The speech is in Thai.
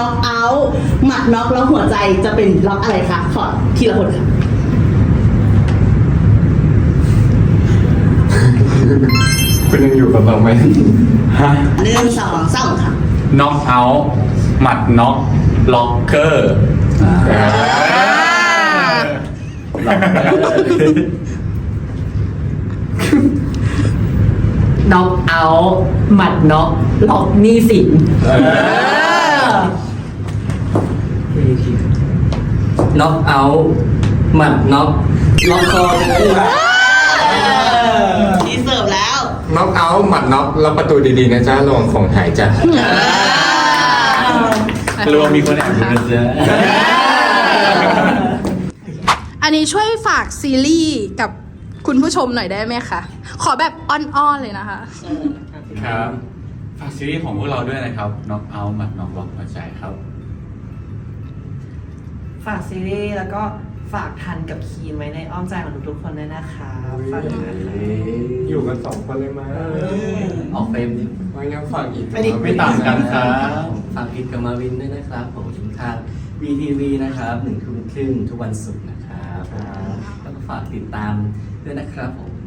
อกเอาท์หมัดน็อกแล้วหัวใจจะเป็นล็อกอะไรคะขอทีละคนค่ะคุณยังอยู่กับเราไหมฮะ 1 2 3ค่ะน็อกเอาท์หมัดน็อกล็อกเกอร์น็อกเอาท์หมัดน็อกล็อกหนี้สินน็อกเอาท์หมัดน็อกล็อกคอเลยทีเสิร์ฟแล้วน็อกเอาท์หมัดน็อกแล้วประตูดีๆนะจ๊ะระวังของหายจ้ะรวมมีคนแอบดูนะจ๊ะอันนี้ช่วยฝากซีรีส์กับคุณผู้ชมหน่อยได้ไหมคะ ขอแบบอ้อนๆเลยนะคะครับฝากซีรีส์ของพวกเราด้วยนะครับน็อกเอาท์หมัดน็อกล็อกหัวใจครับฝากซีรีส์แล้วก็ฝากทันกับคีนไว้ในอ้อมใจของทุกๆคนด้วยนะคะฝากด้วยนะคะอยู่กัน2 คนเลยมาออกเฟรมดิไม่งั้นฝากอีกไม่ต่างกันครับฝากอิดกับมาวินด้วยนะครับผมทาง VTV นะครับ1 ทุ่มครึ่งทุกวันศุกร์นะครับแล้วก็ฝากติดตามด้วยนะครับผม